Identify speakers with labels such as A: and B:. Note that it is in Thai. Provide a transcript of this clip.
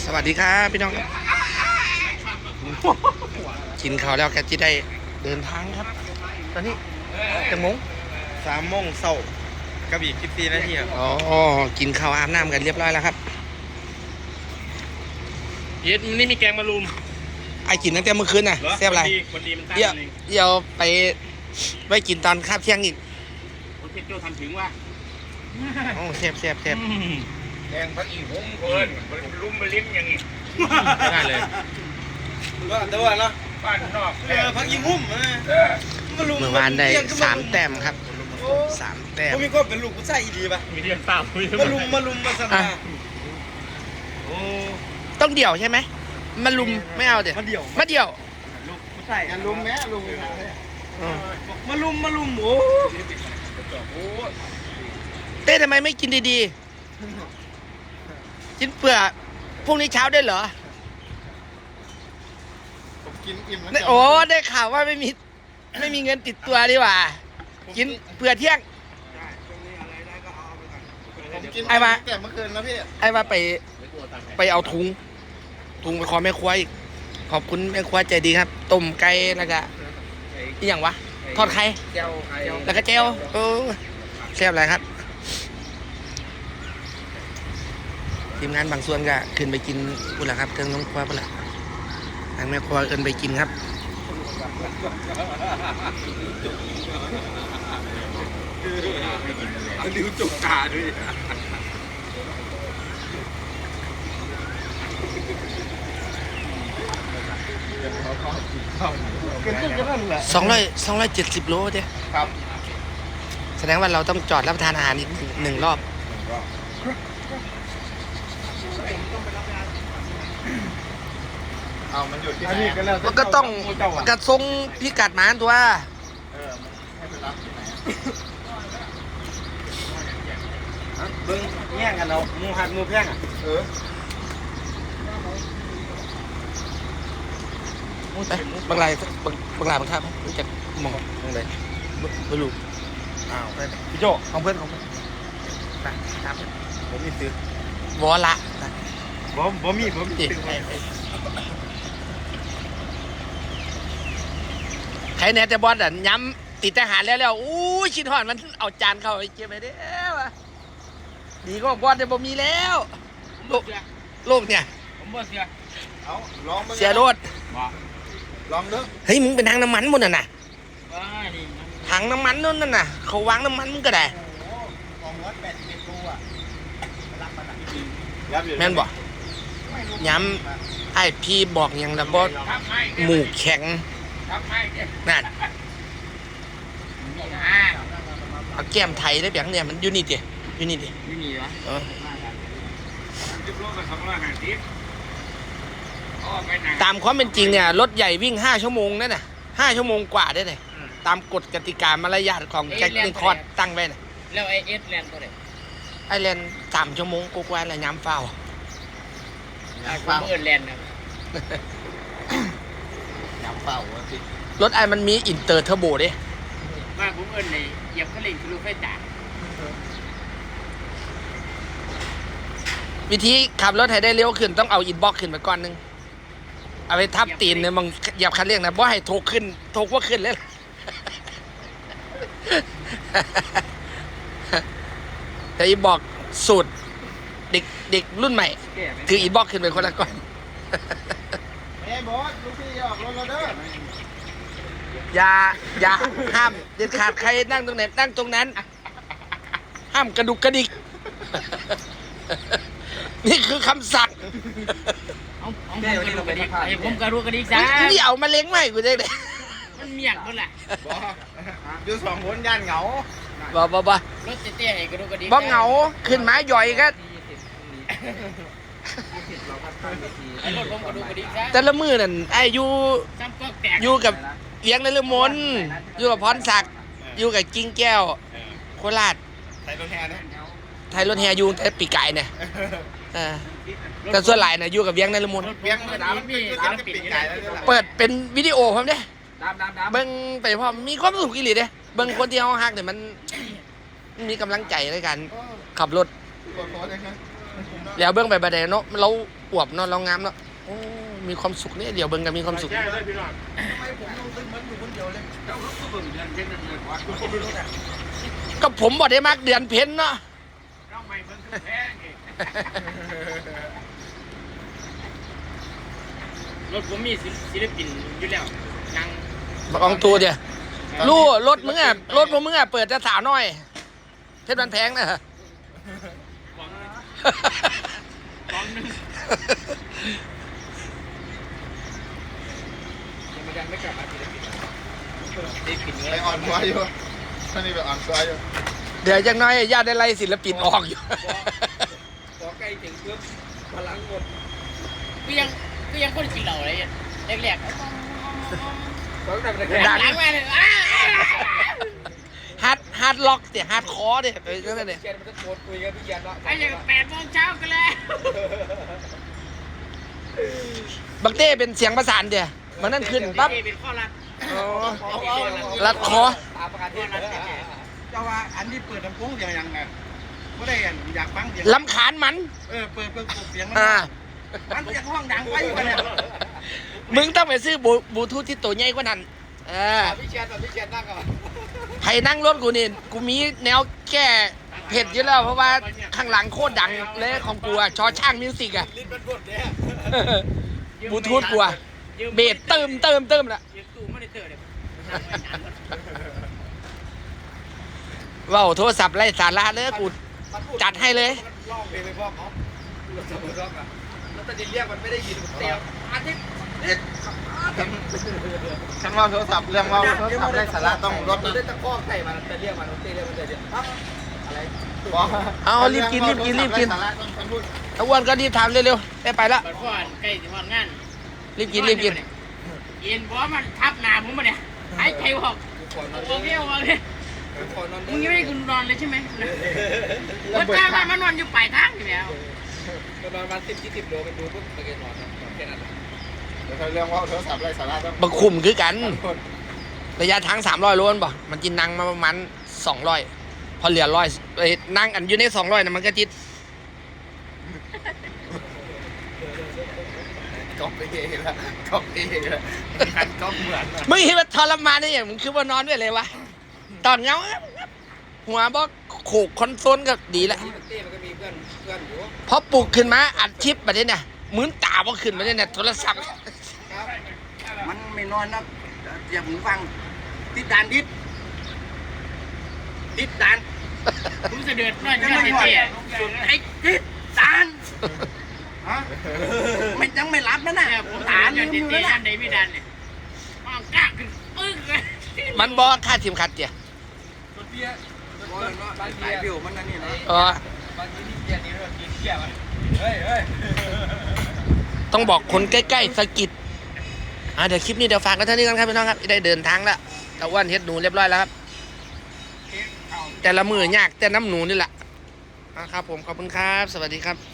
A: สวัสดีครับพี่น้องกินข้าวแล้วแกจะได้เดินทางครับตอนนี้จะมง
B: 3 โมงเช้ากับอีก14 นาทีครับ
A: อ๋อกินข้าวอาบน้ำกันเรียบร้อยแล้วครับ
B: เย็ดมันนี่มีแกงมะรุม
A: ไอ้กินตั้งแต่เมื่อคืนน่ะแซ่บไร
B: คนดีมันตั้งเอง
A: เดี๋ยวไปกินตอนคาบเที่ยงอีก
B: โอเคโจทำถึงว่า
A: โอ้แซ่บ
B: แกงพักอีหุ้มเกินรุมไปลิ้มอย่างงี้ได้เลยก็แต่ว่าเนาะบ้านนอกพักอีหุ้ม
A: เมื่อวานได้3 แต้มครับ3 แต้ม
B: มีก็เป็นลูกผู้ชายดีป่ะมีเรียนตามมาลุมมาสนาโอ้
A: ต้องเดี่ยวใช่ไหมมาลุมไม่เอาเดี๋ยวมาเดี่ยว
B: ลูกผู้ชายลุมแม่ลุมมาลุมโอ้
A: เต้ทำไมไม่กินดีๆกินเปลือกพรุ่งนี้เช้าได้เหรอ
B: ผมกินอิ่ม
A: แล้วโอ้ได้ข่าวว่าไม่มีเงินติดตัวดีกว่ากินเปลือกเที่ยงไอ้มา
B: แก่เมื่อคืนนะพี่
A: ไอ้มาไปเอาถุงไปขอแม่ครัวอีกขอบคุณแม่ครัวใจดีครับต้มไก่แล้วก็อีกอย่างวะทอดไข่แล้วก็เจลแซ่บอะไรครับทีมงานบางส่วนก็ขึ้นไปกินปุ่นละครับเทิงน้องครัวปุ่นละทางแม่ครัวเอินไปกินครับ
B: ริ้วจุกตาด้วย
A: 270 โลเด้
B: ครับ
A: แสดงว่าเราต้องจอดรับประทานอาหารอีก1 รอบ
B: มันอยู่ที่ไหน
A: มันก็ต้องกระทรงพิกัดหมาตัว
B: ให้ไปรับที่ไหนเบิ้งแย่งกันเรามูหัดมูแพง
A: บางรายบางท่ารู้จักมองตรงไหนไม่รู้
B: ไปพี่โจ
A: ของเพื่อนครับ
B: ผมมีซื้อ
A: วอละ
B: บ่มี
A: ใครแน่แต่บอลอ่ะย้ำติดทหารแล้วอู้ชินหอนมันเอาจานเข้าไปเก็บไปเด้อดีก็บอลจะบ่มีแล้วโลกเนี่ย
B: ผมบ่เสียเอาลอง
A: เสียรถ
B: ลองเด้อ
A: เฮ้ยมึงเป็นทางน้ำมันหมดน่ะถังน้ำมันนู่นน่ะเขาวางน้ำมันมึงก็ได้แม่นบอกย้ำไอพี่บอกอย่างละบอสหมูแข็งนั่นเอาแก้มไทยได้แบบเนี่ยมันยูนิตยูนิต
B: วะ
A: ตามความเป็นจริงเนี่ยรถใหญ่วิ่ง5 ชั่วโมงนั่นน่ะ5 ชั่วโมงกว่าได้เลยตามกฎกติกามารยาทของแจ็คนิคอร์ดตั้งไว้น่ะ
C: แล้วไอเอสแลนด์ตัวไหน
A: ไอแลนด์3 ชั่วโมงกว่าๆแล้วย้ำเฝ้า
C: ผมเอินแลนด์นะ
B: ย้ำเฝ้าวะพี่
A: รถไอมันมีอินเตอร์เทอร์โบดิ
C: มาผมเอินในเหยียบคันเร่งคือรถไฟจ่า
A: วิธีขับรถให้ได้เร็วขึ้นต้องเอาอินบ็อกซ์ขึ้นไปก่อนนึงเอาไปทับตีนเนี่ยมึงเหยียบคันเร่งนะบ่ให้โถขึ้นโถว่าขึ้นเลยแต่อินบ็อกซ์สูตรเด็กรุ่นใหม่คืออินบ็อกซ์ขึ้นไปคนละก่อน
B: บอสลูกพี่ออกรถเราเด้อ
A: อย่าห้ามเด็ดขาดใครนั่งตรงไหนนั่งตรงนั้นห้ามกระดุกกระดิกนี่คือคำสั่ง
C: ผมกระดูกระดิกจ้า
A: นี่เอามาเล้งใหม่กูได้เลย
C: มันเมียกนั่นแหละ
B: อยู่2 คนย่านเหงา
A: บ่
C: รถเตี้ยให้กระดูกกระดิก
A: บ่เหงาขึ้นมาย่อยก็
C: รถผมกระดูกกระดิกจ้า
A: แต่ละมือนั่นไอ้อยู่กับเลี้ยงในเรือมนอยู่กับพรศักดิ์อยู่กับกิ้งแก้วโคราช
B: ไทยรถแห่
A: อยู่แต่ปีไก่เนี่ยแต่ส่วนหลายน่ะอยู่กับเลี้ยงในเรือมนเปิดเป็นวิดีโอพร้อมเด้เบิ่งไปพร้อมมีความสุขอีหลีเด้เบิ่งคนที่เฮาฮักเนี่ยมันมีกำลังใจในการขับรถเดี๋ยวเบิ้งไปบัดเดเนาะเราอวบเนาะเรางามเนาะโอ้มีความสุขเนี่ยเดี๋ยวเบิ้งกันมีความสุข
B: ใช่เลยพี่น้อง
D: ทำไมผมต้องซื้อเหมือนอยู่คนเดียวเลย
B: เจ้าก็เบิ่งเดือนเพ็ญนั่นเลยวะ
A: ก็ผมบอกได้มากเดือนเพ็ญเนาะ
B: เจ้าไม่เบิ่งคือแพ้ไง
C: รถผมมีศิลปินอยู่แล้วนั่ง
A: บอกองตัวเดียวรู้รถมึงอ่ะรถมึงอ่ะเปิดจะสาวน้อยเพชรบันแพงนะ
C: กองนึง
D: ยังไม่กลับมาศิลปิน
C: ศิลปิน
D: ไปอ่อนซ้ายอยู่ท่านนี่ไปอ่อนซ้ายอยู่
A: เดี๋ยวยังน้อยญาติได้ไล่ศิลปินออกอยู่
D: พอใกล้ถึงปุ๊บพลังหมด
C: ก็ยังคนกินเหล้าอะไรแรก
D: ต้องทำอะไร
C: ๆหลังมาเลย
A: ฮาร์ดล็อกเดี๋ยวฮาร์ดคอร์เดี๋ยวนั่นเนี่ย
D: เชียนมันจะโทรคุยกับพี่ยันว่า
C: ไอ้ยัง8 โมงเช้ากันแล้ว
A: บักเต้เป็นเสียงประสานเดี๋ยวมันนั่นขึ้นปั๊บ
C: เป็นข้อรัด
A: รัดคอ
D: ตามประกาศเทศเจ้าว่าอันที่เปิดลำโพงอย่างยังไงไม่ได้อยากฟังเสียง
A: ลำคาญมัน
D: เปิดเสียงมัน
A: อ่า
D: มันจะห้องดังไปอยู่เนี่ย
A: มึงต้องไปซื้อบลูทูธที่ตัวใหญ่กว่านั้น
D: พี่เชียนนั่งก่อน
A: ใครนั่งรถกูนี่กูมีแนวแก้เผ็ดอยู่แล้วเพราะว่าข้างหลังโคตรดังเลยของกูอะชอช่างมิวสิกอะ
D: ลิ้นมันบดเนี่ย
A: บลูทูธกูอะเบสเติมละ
C: ยืมตู้ไม่ได้เตอร์เลย
A: ว้าวโทรศัพท์ไร้สาระเลยกูจัดให้เลย
D: ร้องเพลงไปพ่อเขาเราจะมาร้องอ่ะแล้วตอนนี้เรียกมันไม่ได้ยินเตียวอันนี้ฉันว่าโทรศัพท์เรื่องว่าโทรศัพท์ไร้สาระต้องรถได้ตะคอกใส่มันจะเรียกมันตีเรียกมันจะเรียกอะไร
A: เอารีบกินแล้วอ้วนก็รีบทำเร็วๆได้ไปละ
C: บัดพ่อใกล้ถึงวันงาน
A: รีบกิน
C: เย็นเพราะมันทับหน้าผมมาเนี่ยหายใจออกโอเคมึงยังไม่ได้กูนอนเลยใช่ไหมรถจ้างมานอนอยู่ปลายทางอยู่แล้ว
D: นอนมา10-20 โลมันดูปุ๊บไปนอนแค่นั้นเดี๋ยวเขาเรื่องว่าโทรศัพท์ไร้สาระต้อง
A: บักคุมคือกัน ระยะทาง300 โลนบ่มันกินนั่งมาประมาณ200พอเหลือ100นั่งอันอยู่ใน200นะมันก็จิต
D: ก๊อปไปเองละก๊อปเองละหันก๊อปเหมือน
A: มึงคิดว่าทรมานได้ยังมึงคือว่านอนด้วยเลยวะตอนเงาหัวบ่โขกคอนโซลก็ดีละ
D: ที่เต้มันก็มีเพื่อนอยู่
A: พอปลุกขึ้นมาอัดชิปแบบนี้เนี่ยมือนตาบ่ขึ้นมาเนี่ยโทรศัพท์
D: มันไม่นอนนะอย่าหูฟังติดด่านติดด่าน
C: ผมจะเดือดร้อนอยู่เจ๊ไอ้ติดตาน
D: ฮะไม่ยังไม่รับนะน่ะ
C: ผมถามอยู่เจ๊ด้านใดไม่ดันเนี่ยมองกล้าขึ้นปึ๊กเลย
A: มันบ่คาดเข็มขัดเจีย
D: บ้านสายบิวมันนั่นนี่นะ
A: บ้านนี้นี่เกียร์นี่เรากินเกียร์มันเฮ้ยต้องบอกคนใกล้ๆสะกิดเดี๋ยวคลิปนี้เดี๋ยวฝากกันเท่านี้กันครับพี่น้องครับได้เดินทางแล้วตะวันเฮ็ดหนูเรียบร้อยแล้วครับแต่ละมือยากแต่น้ำหนูนี่แหละครับผมขอบคุณครับสวัสดีครับ